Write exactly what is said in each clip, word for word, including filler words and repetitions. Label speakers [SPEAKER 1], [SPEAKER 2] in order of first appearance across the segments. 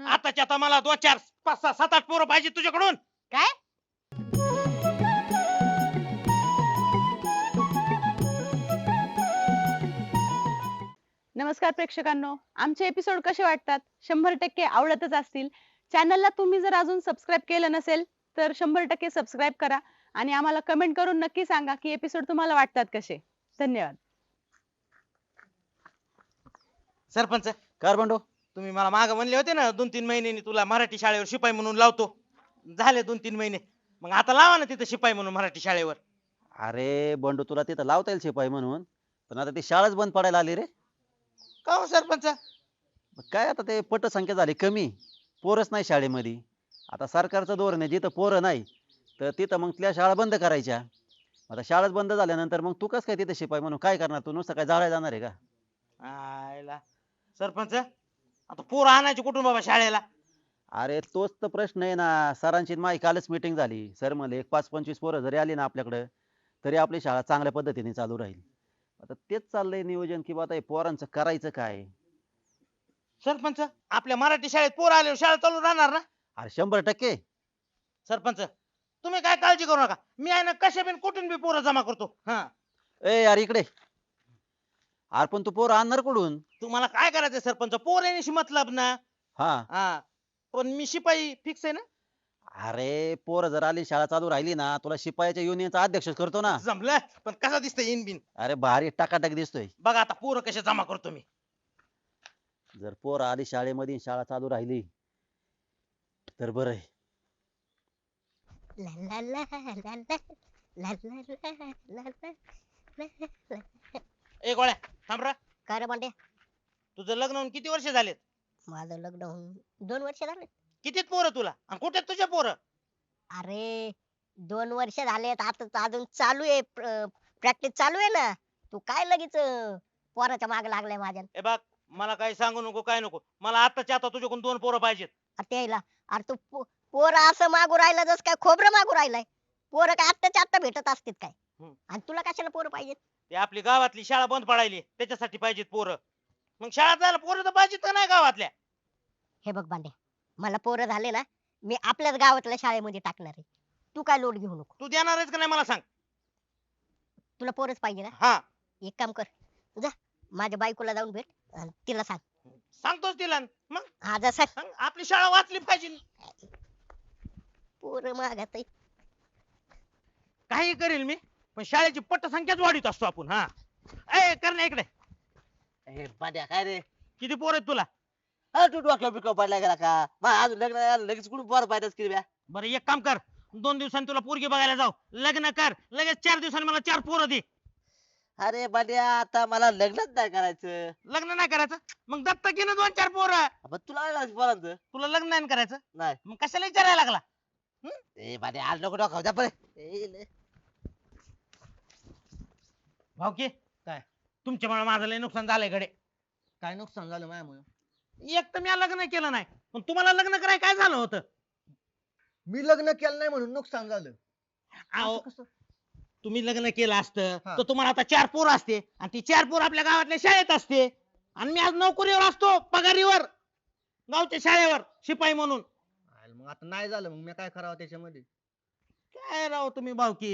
[SPEAKER 1] आताच्या आता मला दोन चार पाच सहा सात आठ पोरं पाहिजे तुझ्याकडून.
[SPEAKER 2] काय? नमस्कार प्रेक्षकांनो, आमचे एपिसोड कसे वाटतात? शंभर टक्के आवडतच असतील. चॅनलला तुम्ही जर अजून सबस्क्राईब केलं नसेल तर शंभर टक्के सबस्क्राईब करा आणि आम्हाला कमेंट करून नक्की सांगा की एपिसोड तुम्हाला वाटतात कसे. धन्यवाद.
[SPEAKER 1] सरपंच,
[SPEAKER 3] कर बंडू.
[SPEAKER 1] तुम्ही मला माग म्हणले होते ना दोन तीन महिन्यांनी तुला मराठी शाळेवर शिपाई म्हणून लावतो. झाले दोन तीन महिने, मग आता लावा ना तिथं शिपाई म्हणून मराठी शाळेवर.
[SPEAKER 3] अरे बंडू, तुला तिथं लावता येईल शिपाई म्हणून, पण आता ती शाळाच बंद पडायला आली रे.
[SPEAKER 1] का हो सरपंच?
[SPEAKER 3] मग काय आता ते पटसंख्या झाली कमी, पोरच नाही शाळेमध्ये. आता सरकारचं धोरण आहे, जिथं पोरं नाही तर तिथं मग त्या शाळा बंद करायच्या. आता शाळाच बंद झाल्यानंतर मग तू कसं काय तिथे शिपाई म्हणून काय करणार? तू नुसतं काय जाळायला जाणार आहे का?
[SPEAKER 1] आयला सरपंच, आता पोरं आणायची कुठून बाबा शाळेला?
[SPEAKER 3] अरे तोच तर प्रश्न आहे ना. सरांची माई कालच मीटिंग झाली. सर म्हणले एक पाच पंचवीस पोरं जरी आली ना आपल्याकडे तरी आपली शाळा चांगल्या पद्धतीने चालू राहील. आता तेच चाललंय नियोजन की आता हे पोरांचं करायचं काय.
[SPEAKER 1] सरपंच, आपल्या मराठी शाळेत पोरं आल्यावर शाळा चालू राहणार ना?
[SPEAKER 3] अरे शंभर टक्के.
[SPEAKER 1] सरपंच, तुम्ही काय काळजी करू नका, मी आहे ना कशा बिन कुठून बी पोरं जमा करतो. हा,
[SPEAKER 3] ए यार इकडे. अरे पण तू पोरं आणणार कुठून?
[SPEAKER 1] तुम्हाला काय करायचंय सरपंच? पोर येण्याशी मतलब ना.
[SPEAKER 3] हा.
[SPEAKER 1] हा, पण मी शिपाई फिक्स आहे ना.
[SPEAKER 3] अरे पोरं जर आली शाळा चालू राहिली ना तुला शिपायाच्या युनियनचा अध्यक्ष करतो ना.
[SPEAKER 1] जमलं, पण कसा दिसतंय इन बिन?
[SPEAKER 3] अरे भारी टाकाटाक दिसतोय.
[SPEAKER 1] बघा आता पोरं कशा जमा करतो मी.
[SPEAKER 3] जर पोरं आली शाळेमध्ये, शाळा चालू राहिली तर बरं आहे.
[SPEAKER 4] ला ला ला ला ला ला ला ला ला ला.
[SPEAKER 1] ए गोळ्या, थांब रे.
[SPEAKER 4] काय रे बंड्या?
[SPEAKER 1] तुझं लग्न होऊन किती वर्ष झालेत?
[SPEAKER 4] माझं लग्न होऊन दोन वर्ष झाले.
[SPEAKER 1] कितीत पोरं तुला आणि कुठे तुझ्या पोरं?
[SPEAKER 4] अरे दोन वर्ष झालेत, आता तर अजून चालू आहे, प्रॅक्टिस चालू आहे ना. तू काय लगेच अं, पोराच्या मागे लागलाय माझ्या?
[SPEAKER 1] ए बघ, मला काही सांगू नको, काय नको. मला आताच्या आता तुझ्याकडून दोन पोरं पाहिजेत.
[SPEAKER 4] अरे त्याला, अरे तू पो- पोरं असं मागू राहिला जस काय खोबरं मागू राहिलाय. पोरं काय आत्ताच्या आत्ता भेटत असतील काय?
[SPEAKER 1] हम्म.
[SPEAKER 4] आणि तुला कशाला पोरं पाहिजेत?
[SPEAKER 1] ते आपली गावातली शाळा बंद पडायली त्याच्यासाठी पाहिजेत पोरं. मग शाळा जायला पोरं तर पाहिजेत का नाही गावातल्या?
[SPEAKER 4] हे बघ बांड्या, मला पोरं झाले ना, मी आपल्याच गावातल्या शाळेमध्ये टाकणार आहे. तू काय लोड घेऊ नको.
[SPEAKER 1] तू देणार आहेस का नाही मला सांग.
[SPEAKER 4] तुला पोरच पाहिजे ना?
[SPEAKER 1] हा,
[SPEAKER 4] एक काम कर, जा माझ्या बायकोला जाऊन भेट आणि तिला सांग.
[SPEAKER 1] सांगतोच तिला. मग
[SPEAKER 4] हा जा सांग.
[SPEAKER 1] सांग, आपली शाळा वाचली पाहिजे.
[SPEAKER 4] पोरं मागत आहे.
[SPEAKER 1] काही करेल मी, पण शाळेची पटसंख्याच वाढीत असतो आपण. हा, ए करण्या इकडे.
[SPEAKER 5] ए पाट्या काय रे?
[SPEAKER 1] किती पोर आहेत तुला?
[SPEAKER 5] अ तू डोक्यावर बिकवा पडला गेला का? मग अजून लग्न झालं, लगेच कुठून पोर पाहिजेच की बे?
[SPEAKER 1] बरं एक काम कर, दोन दिवसांनी तुला पोरगी बघायला जाऊ. लग्न कर, लगेच चार दिवसांनी मला चार पोरं दे.
[SPEAKER 5] अरे पाट्या आता मला लग्नच नाही करायचं.
[SPEAKER 1] लग्न नाही करायचं, मग दत्तक घे ना दोन चार पोरं.
[SPEAKER 5] पण तुला काय करायचं पोरांचं?
[SPEAKER 1] तुला लग्न नाही करायचं,
[SPEAKER 5] नाही.
[SPEAKER 1] मग कशाला विचारायला लागला?
[SPEAKER 5] ए पाट्या आज नको डोकावू जा परे. ए, ले.
[SPEAKER 1] भाऊकी काय तुमच्यामुळे माझं लय नुकसान झालंय गडे.
[SPEAKER 6] काय नुकसान झालं माझ्यामुळे?
[SPEAKER 1] एक तर मी लग्न केलं नाही, पण तुम्हाला लग्न कराय काय झालं होतं?
[SPEAKER 6] मी लग्न केलं नाही म्हणून नुकसान झालं?
[SPEAKER 1] अहो,
[SPEAKER 6] असं कसं?
[SPEAKER 1] तुम्ही लग्न केलं असतं
[SPEAKER 6] हा.
[SPEAKER 1] तर तुम्हाला आता चार पोरं असते आणि ती चार पोरं आपल्या गावातल्या शाळेत असते आणि मी आज नोकरीवर असतो, पगारीवर, गावच्या शाळेवर शिपाई म्हणून.
[SPEAKER 6] आयला मग आता नाही झालं, मग मी काय करावं त्याच्यामध्ये?
[SPEAKER 1] काय राव तुम्ही भाऊकी.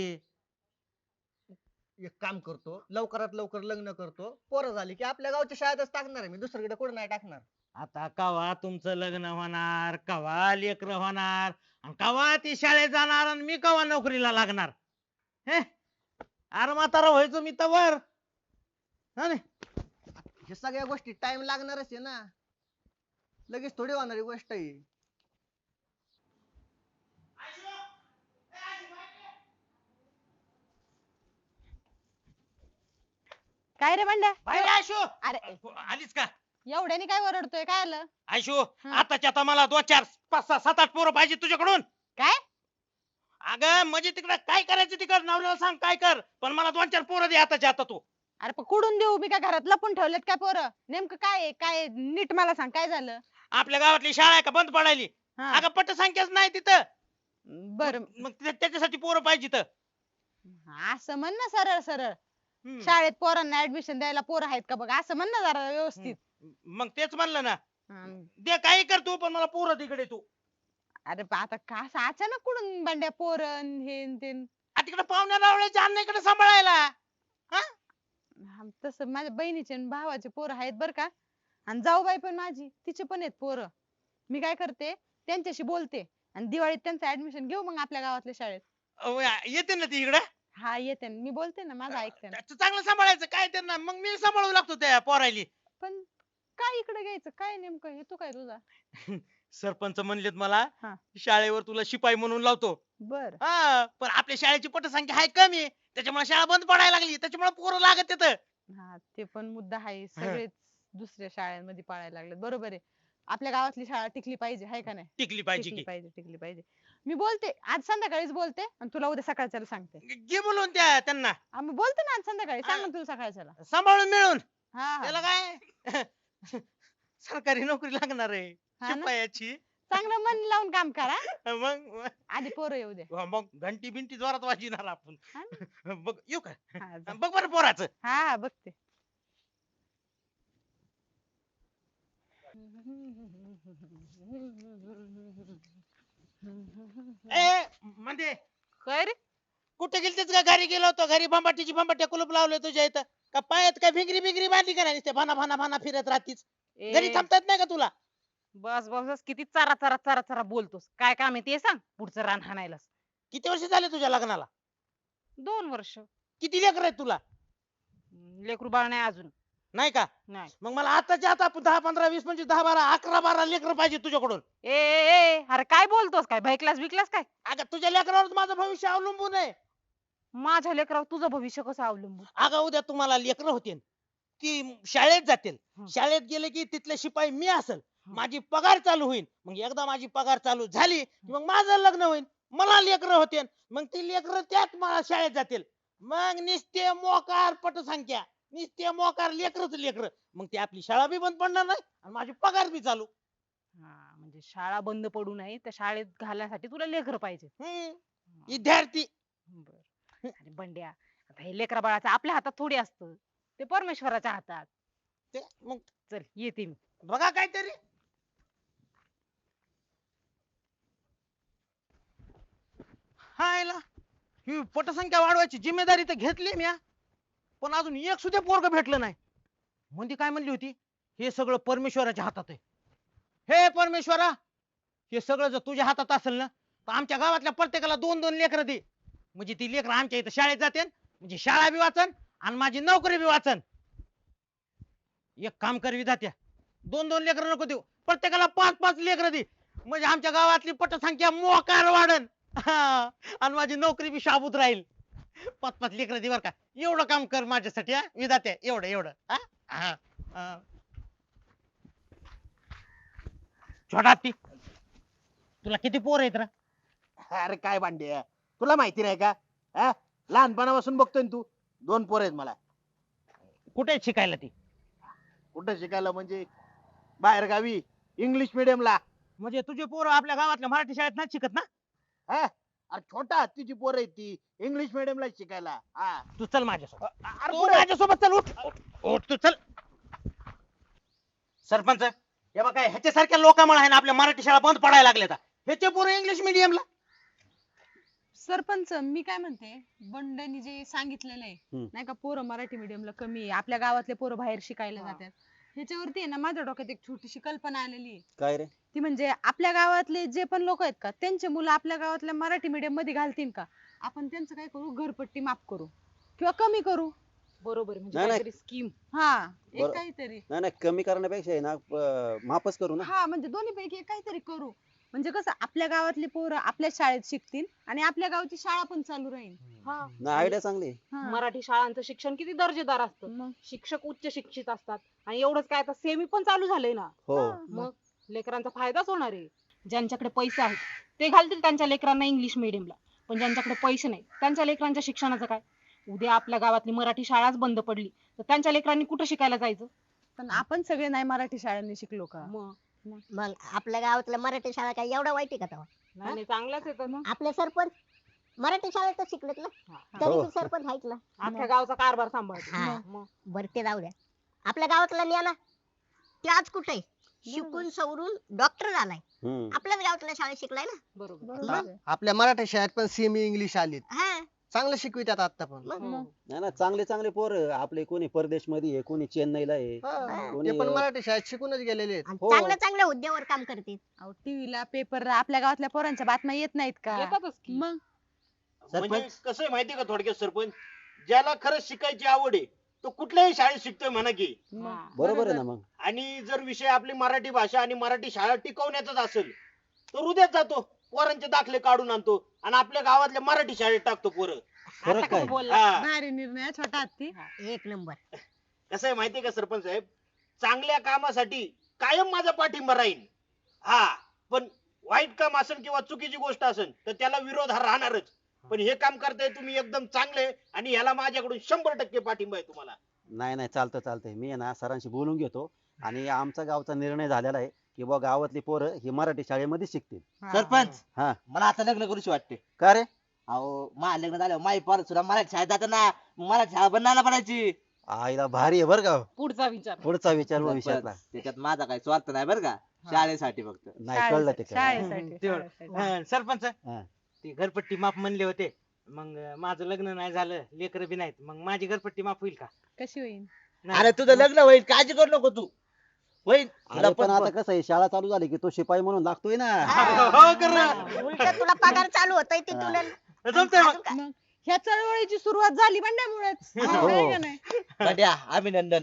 [SPEAKER 6] एक काम करतो, लवकरात लवकर लग्न करतो, पोरं झाली की आपल्या गावच्या शाळेतच टाकणार आहे मी, दुसरीकडे कुठे नाही टाकणार.
[SPEAKER 1] आता कवा तुमचं लग्न होणार, कवा लेकर होणार, आणि कवा ती शाळेत जाणार आणि मी कवा नोकरीला लागणार? हे अरे म्हातारा व्हायचो मी तवर. हा नाही,
[SPEAKER 6] हे सगळ्या गोष्टी टाइम लागणारच आहे ना, लगेच थोडी होणारी गोष्ट आहे.
[SPEAKER 2] काय रे बंड्या?
[SPEAKER 1] बाहेर आयशो.
[SPEAKER 2] अरे
[SPEAKER 1] आलीच का?
[SPEAKER 2] एवढ्याने काय ओरडतोय? काय आलं?
[SPEAKER 1] आयशो,
[SPEAKER 2] हा.
[SPEAKER 1] आताच्या आता मला दोन चार पाच सहा सात आठ पोरं पाहिजे तुझ्याकडून.
[SPEAKER 2] काय?
[SPEAKER 1] अगं म्हणजे तिकडे काय करायचं तिकड नवऱ्याला सांग काय कर, पण मला दोन चार पोरं दे आताच्या आता तू.
[SPEAKER 2] अरे पण कुठून देऊ? मी काय घरात लपून ठेवलेत काय पोरं? नेमकं काय आहे? काय आहे? नीट मला सांग, काय झालं?
[SPEAKER 1] आपल्या गावातली शाळा आहे का बंद पडायली?
[SPEAKER 2] हा.
[SPEAKER 1] अगं पटसंख्याच नाही तिथं.
[SPEAKER 2] बर,
[SPEAKER 1] मग त्या- त्याच्यासाठी पोरं पाहिजे तर.
[SPEAKER 2] असं म्हण ना सरळ सरळ.
[SPEAKER 1] हम्म.
[SPEAKER 2] शाळेत पोरांना ऍडमिशन द्यायला पोरं आहेत का बघ, असं म्हण ना जरा व्यवस्थित.
[SPEAKER 1] मग तेच म्हणलं ना.
[SPEAKER 2] हं.
[SPEAKER 1] दे काही कर तू पण मला पोरं तिकडे तू
[SPEAKER 2] अरे बा, आता का असं अचानक कुठून बंड्या पोरण हे न ते
[SPEAKER 1] आ तिकडे पाहुण्या रावळ्याच्या अण्णाकडे सांभाळायला हा
[SPEAKER 2] हा, तसं माझ्या बहिणीचे आणि भावाचे पोरं आहेत बर का. आणि जाऊबाई पण माझी तिचे पण आहेत पोरं. मी काय करते त्यांच्याशी बोलते आणि दिवाळीत त्यांचं ऍडमिशन घेऊ मग आपल्या गावातल्या शाळेत.
[SPEAKER 1] अहो, या- येते ना ती इकडे
[SPEAKER 2] हा येते ना. मी बोलते ना, माझं ऐकते ना.
[SPEAKER 1] चांगलं सांभाळायचं काय त्यांना मग मी सांभाळू लागतो त्या पोरायली
[SPEAKER 2] पण काय इकडे घ्यायचं काय नेमकं हेतू काय तुझा?
[SPEAKER 1] सरपंच म्हणलेत मला
[SPEAKER 2] हा.
[SPEAKER 1] शाळेवर तुला शिपाई म्हणून लावतो
[SPEAKER 2] बर.
[SPEAKER 1] हा पण आपल्या शाळेची पटसंख्या आहे कमी आहे. त्याच्यामुळे शाळा बंद पडायला लागली त्याच्यामुळे पोरं लागत तिथं
[SPEAKER 2] हा ते पण मुद्दा आहे. सगळेच दुसऱ्या शाळांमध्ये पाळायला लागलेत. बरोबर आहे. आपल्या गावातली शाळा टिकली पाहिजे, हाय का नाही?
[SPEAKER 1] टिकली पाहिजे
[SPEAKER 2] टिकली
[SPEAKER 1] की
[SPEAKER 2] पाहिजे, टिकली पाहिजे. मी बोलते आज संध्याकाळीच बोलते आणि तुला उद्या सकाळच्याला सांगते.
[SPEAKER 1] घे बोलून त्या त्यांना
[SPEAKER 2] आम्ही बोलते ना आज संध्याकाळी, सांग ना तुला सकाळच्याला.
[SPEAKER 1] सांभाळून मिळून
[SPEAKER 2] हा
[SPEAKER 1] त्याला
[SPEAKER 2] हा.
[SPEAKER 1] काय सरकारी नोकरी लागणार आहे
[SPEAKER 2] हा ना?
[SPEAKER 1] शिपायाची
[SPEAKER 2] चांगलं मन लावून काम करा.
[SPEAKER 1] मग
[SPEAKER 2] आधी पोरं येऊ दे.
[SPEAKER 1] मग मग घंटी बिंटी जोरात वाजणार आपण
[SPEAKER 2] हा
[SPEAKER 1] बघ येऊ का
[SPEAKER 2] हा जा.
[SPEAKER 1] बघ बरं पोराचं
[SPEAKER 2] हा हा, बघते.
[SPEAKER 1] ए म्हणजे
[SPEAKER 2] काय रे?
[SPEAKER 1] कुठे गेलतेस का घरी गेलो होतो घरी भंबाटीची भंबाट्या कुलूप लावले तुझ्या इथं का पायात काय भिंगरी बिंगरी बांधली का नाही भाना भाना भाना फिरत राहतीस घरी थांबतात नाही का तुला
[SPEAKER 7] बस बस बस किती चारा चारा चारा चारा बोलतोस काय काम आहे ते सांग पुढचं रान हाणायलास.
[SPEAKER 1] किती वर्ष झाले तुझ्या लग्नाला
[SPEAKER 7] दोन वर्ष
[SPEAKER 1] किती लेकर आहेत तुला
[SPEAKER 7] हम्म, लेकरू बाळ नाही अजून.
[SPEAKER 1] नाही का
[SPEAKER 7] नाही.
[SPEAKER 1] मग मला आताच्या आता दहा पंधरा वीस पंचवीस दहा बारा अकरा बारा लेकर पाहिजे तुझ्याकडून
[SPEAKER 7] ए ए ए, अरे काय बोलतोस काय भैकलास बिकलास काय?
[SPEAKER 1] अगं तुझ्या लेकरावर माझं भविष्य अवलंबून आहे
[SPEAKER 7] माझ्या लेकरावर तुझं भविष्य कसं अवलंबून?
[SPEAKER 1] अगं उद्या तुम्हाला लेकर होतील ती शाळेत जातील
[SPEAKER 7] हं.
[SPEAKER 1] शाळेत गेले की तिथले शिपाई मी असेल
[SPEAKER 7] हं.
[SPEAKER 1] माझी पगार चालू होईल मग एकदा माझी पगार चालू झाली की मग माझं लग्न होईल मला लेकर होतील मग ती लेकर त्याच मला शाळेत जातील मग निस्ते मोकार पटसंख्या निस्ते मोकार लेकरच लेकर मग ती आपली शाळा बी बंद पडणार नाही आणि माझी पगार बी चालू
[SPEAKER 7] हा म्हणजे शाळा बंद पडू नये त्या शाळेत घालण्यासाठी तुला लेकर पाहिजे.
[SPEAKER 1] हम्म विद्यार्थी
[SPEAKER 7] बर. अरे बंड्या आता हे लेकरा बाळाचं आपल्या हातात थोडी असतं ते परमेश्वराच्या हातात.
[SPEAKER 1] ते मग
[SPEAKER 7] चल येते मी.
[SPEAKER 1] बघा काहीतरी हायला ही पटसंख्या वाढवायची जिम्मेदारी तर घेतली मी पण अजून एक सुद्धा पोरग भेटलं नाही म्हणजे काय म्हणली होती हे सगळं परमेश्वराच्या हातात आहे हे परमेश्वरा हे सगळं जर तुझ्या हातात असेल ना तर आमच्या गावातल्या प्रत्येकाला दोन दोन लेकरं दे म्हणजे ती लेकरं आमच्या इथं शाळेत जाते म्हणजे शाळा बी वाचन आणि माझी नोकरी बी वाचन एक काम कर विधात्या दोन दोन लेकरं नको देऊ प्रत्येकाला पाच पाच लेकरं दे म्हणजे आमच्या गावातली पटसंख्या मोकार वाढन हा, आणि माझी नोकरी बी शाबूत राहील पाच पाच लेकरं दे बर का एवढं काम कर माझ्यासाठी हा विधात्या एवढं एवढं हा? हा, हा. छोटा हत्ती तुला किती पोर आहेत रे
[SPEAKER 5] अरे काय भांड्या तुला माहिती नाही का हा? लहानपणापासून बघतोय ना तू दोन पोर आहेत मला.
[SPEAKER 1] कुठे आहेत शिकायला ती
[SPEAKER 5] कुठं शिकायला म्हणजे बाहेर गावी इंग्लिश ला.
[SPEAKER 1] म्हणजे तुझे पोरं आपल्या गावातल्या मराठी शाळेत नाही शिकत ना
[SPEAKER 5] हा अरे छोटा हत्तीची पोर आहेत ती इंग्लिश ला शिकायला. हा
[SPEAKER 1] तू चल माझ्यासोबत
[SPEAKER 5] अरे
[SPEAKER 1] तू
[SPEAKER 5] पुढे.
[SPEAKER 1] माझ्यासोबत चल उठ उठ तू चल सरपंच हे बघा ह्याच्यासारख्या लोकांमुळे आहे ना आपल्या मराठी शाळा बंद पडायला लागल्या ह्याचे पोरं इंग्लिश मिडियमला
[SPEAKER 2] सरपंच मी काय म्हणते बंड्यानी जे सांगितलेलं आहे
[SPEAKER 3] हम्म.
[SPEAKER 2] नाही का पोरं मराठी medium ला कमी आहे आपल्या गावातले पोरं बाहेर शिकायला जातात ह्याच्यावरती आहे ना माझ्या डोक्यात एक छोटीशी कल्पना आलेली आहे.
[SPEAKER 3] काय रे
[SPEAKER 2] ती म्हणजे आपल्या गावातले जे पण लोक आहेत का त्यांचे मुलं आपल्या गावातल्या मराठी medium मध्ये घालतील का आपण त्यांचं काय करू घरपट्टी माफ करू किंवा कमी करू.
[SPEAKER 7] बरोबर आहे, म्हणजे
[SPEAKER 3] नाही, नाही.
[SPEAKER 7] काहीतरी स्कीम.
[SPEAKER 2] हा एक
[SPEAKER 3] बरं.
[SPEAKER 2] काहीतरी
[SPEAKER 3] नाही नाही कमी करण्यापेक्षा आहे ना प- माफच करू ना
[SPEAKER 2] हा म्हणजे दोन्ही पैकी एक काहीतरी करू म्हणजे कसं आपल्या गावातली पोरं आपल्या शाळेत शिकतील आणि आपल्या गावची शाळा पण चालू राहील.
[SPEAKER 7] हा
[SPEAKER 3] नाही आयडिया चांगली आहे.
[SPEAKER 2] हा.
[SPEAKER 7] मराठी शाळांचं शिक्षण किती दर्जेदार असतं.
[SPEAKER 2] मग
[SPEAKER 7] शिक्षक उच्च शिक्षित असतात आणि एवढंच काय आता सेमी पण चालू झालंय ना.
[SPEAKER 3] हो
[SPEAKER 7] मग लेकरांचा फायदाच होणार आहे. ज्यांच्याकडे पैसे आहेत ते घालतील त्यांच्या लेकरांना इंग्लिश मिडियमला पण ज्यांच्याकडे पैसे नाही त्यांच्या लेकरांच्या शिक्षणाचं काय. उद्या आपल्या गावातली मराठी शाळाच बंद पडली तर त्यांच्या लेकरांनी कुठं शिकायला जायचं.
[SPEAKER 2] पण आपण सगळे नाही मराठी शाळांनी शिकलो का.
[SPEAKER 7] मग
[SPEAKER 4] मग आपल्या गावातल्या मराठी शाळा काय एवढा वाईट आहे का तेव्हा
[SPEAKER 7] नाही नाही, चांगलंच येतं ना.
[SPEAKER 4] आपले सरपंच मराठी शाळेतच शिकलेत ना
[SPEAKER 7] हा.
[SPEAKER 4] तरी
[SPEAKER 3] हो.
[SPEAKER 4] ते सरपंच आहेत ना
[SPEAKER 7] अख्ख्या गावचा कारभार सांभाळतो.
[SPEAKER 4] हा.
[SPEAKER 7] मग
[SPEAKER 4] बरं ते जाऊ द्या आपल्या गावातला न्या ना ते आज कुठे आहे? शिकून सवरून डॉक्टर झालाय
[SPEAKER 3] हम्म.
[SPEAKER 4] आपल्याच गावातल्या शाळेत शिकलाय ना
[SPEAKER 7] बरोबर
[SPEAKER 2] बरोबर
[SPEAKER 6] आता
[SPEAKER 2] आहे.
[SPEAKER 6] आपल्या मराठी शाळेत पण सेमी इंग्लिश आलीत
[SPEAKER 4] हा
[SPEAKER 6] चांगलं शिकवितात आता पण
[SPEAKER 4] मग
[SPEAKER 7] हो.
[SPEAKER 3] नाही ना चांगले चांगले पोर आपले कोणी परदेश मध्ये आहे कोणी चेन्नईला आहे
[SPEAKER 6] हा,
[SPEAKER 3] कोणी
[SPEAKER 6] ते पण मराठी शाळेत शिकूनच गेलेले आहेत
[SPEAKER 4] आणि
[SPEAKER 3] हो.
[SPEAKER 4] चांगल्या चांगल्या हुद्द्यावर काम करते
[SPEAKER 2] अहो टीव्हीला पेपरला आपल्या गावातल्या पोरांच्या बातम्या येत नाहीत का
[SPEAKER 7] येतातच की
[SPEAKER 2] मग
[SPEAKER 1] म्हणजे कसं आहे माहितीये का थोडक्यात सरपंच ज्याला खरंच शिकायची आवड आहे तो कुठल्याही शाळेत शिकतोय म्हणा की
[SPEAKER 2] मग
[SPEAKER 7] हा.
[SPEAKER 3] बरोबर आहे ना मग
[SPEAKER 1] आणि जर विषय आपली मराठी भाषा आणि मराठी शाळा टिकवण्याचाच असेल तर उद्याच जातो पोरांचे दाखले काढून आणतो आणि आपल्या गावातल्या मराठी शाळेत टाकतो पोरं
[SPEAKER 3] फरक
[SPEAKER 7] आता
[SPEAKER 3] काय
[SPEAKER 7] कसं बोलला
[SPEAKER 1] हा.
[SPEAKER 2] भारी निर्णय छोटा हत्ती
[SPEAKER 4] एक नंबर
[SPEAKER 1] कसं आहे माहितीये का सरपंच साहेब चांगल्या कामासाठी कायम माझा पाठिंबा राहील हा पण वाईट काम असेल किंवा चुकीची गोष्ट असेल तर त्याला विरोध हा राहणारच पण हे काम करताय तुम्ही एकदम चांगले आणि ह्याला माझ्याकडून शंभर टक्के पाठिंबा आहे तुम्हाला
[SPEAKER 3] नाही नाही चालतं चालतंय मी आहे ना सरांशी बोलून घेतो आणि आमचा गावचा निर्णय झालेला आहे की बुवा गावातली पोरं ही मराठी शाळेमध्ये शिकतील
[SPEAKER 5] सरपंच
[SPEAKER 3] हा
[SPEAKER 5] मला आता लग्न करूशी वाटते
[SPEAKER 3] का रे
[SPEAKER 5] अहो माझं लग्न झालं माई पोर सुद्धा मराठी शाळेत जाताना मराठी शाळा बनायला पडायची
[SPEAKER 3] आईला भारी आहे बरं का
[SPEAKER 7] पुढचा विचार
[SPEAKER 3] पुढचा विचार भविष्यातला
[SPEAKER 5] त्याच्यात माझा काही स्वार्थ नाही बरं का शाळेसाठी फक्त
[SPEAKER 3] नाही कळलं ते काय
[SPEAKER 2] शाळेसाठी
[SPEAKER 1] तेवढं.
[SPEAKER 2] शाळेसाठी.
[SPEAKER 1] हा, सरपंच
[SPEAKER 3] हा.
[SPEAKER 1] ते घरपट्टी माफ म्हणले होते मग माझं लग्न नाही झालं लेकर बी नाहीत मग माझी घरपट्टी माफ होईल का
[SPEAKER 2] कशी होईल
[SPEAKER 1] नाही.
[SPEAKER 5] अरे तुझं लग्न होईल काळजी करू नको तू होईल तुला
[SPEAKER 3] अरे पण
[SPEAKER 5] पण
[SPEAKER 3] आता कसं आहे शाळा चालू झाली की तो शिपाई म्हणून लागतोय ना
[SPEAKER 1] हो कर
[SPEAKER 4] उलट तुला पगार चालू होतोय तिथून
[SPEAKER 1] जमतंय मग
[SPEAKER 4] अजून काय?
[SPEAKER 2] मग ह्या चळवळीची सुरुवात झाली बंड्यामुळेच
[SPEAKER 3] हो.
[SPEAKER 2] आहे का नाही?
[SPEAKER 5] बंड्या अभिनंदन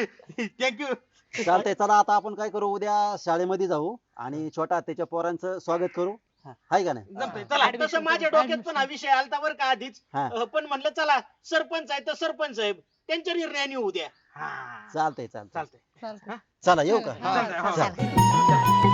[SPEAKER 1] थँक्यू
[SPEAKER 3] चालतंय चला आता आपण काय करू उद्या शाळेमध्ये जाऊ आणि छोटा त्याच्या पोरांचं स्वागत करू हाय का नाही
[SPEAKER 1] जमतंय चला
[SPEAKER 2] Admission
[SPEAKER 1] तसं माझ्या
[SPEAKER 2] करू,
[SPEAKER 1] डोक्यात पण हा विषय आलता बरं का आधीच
[SPEAKER 3] हा.
[SPEAKER 1] अं, पण म्हणलं चला सरपंच आहे तर सरपंच साहेब त्यांच्या निर्णयाने होऊ द्या हा
[SPEAKER 3] चालतंय चालतंय
[SPEAKER 1] चालतंय
[SPEAKER 2] चालतंय.
[SPEAKER 3] चला येऊ का
[SPEAKER 2] हा,
[SPEAKER 1] चालतंय, हो.
[SPEAKER 3] चला.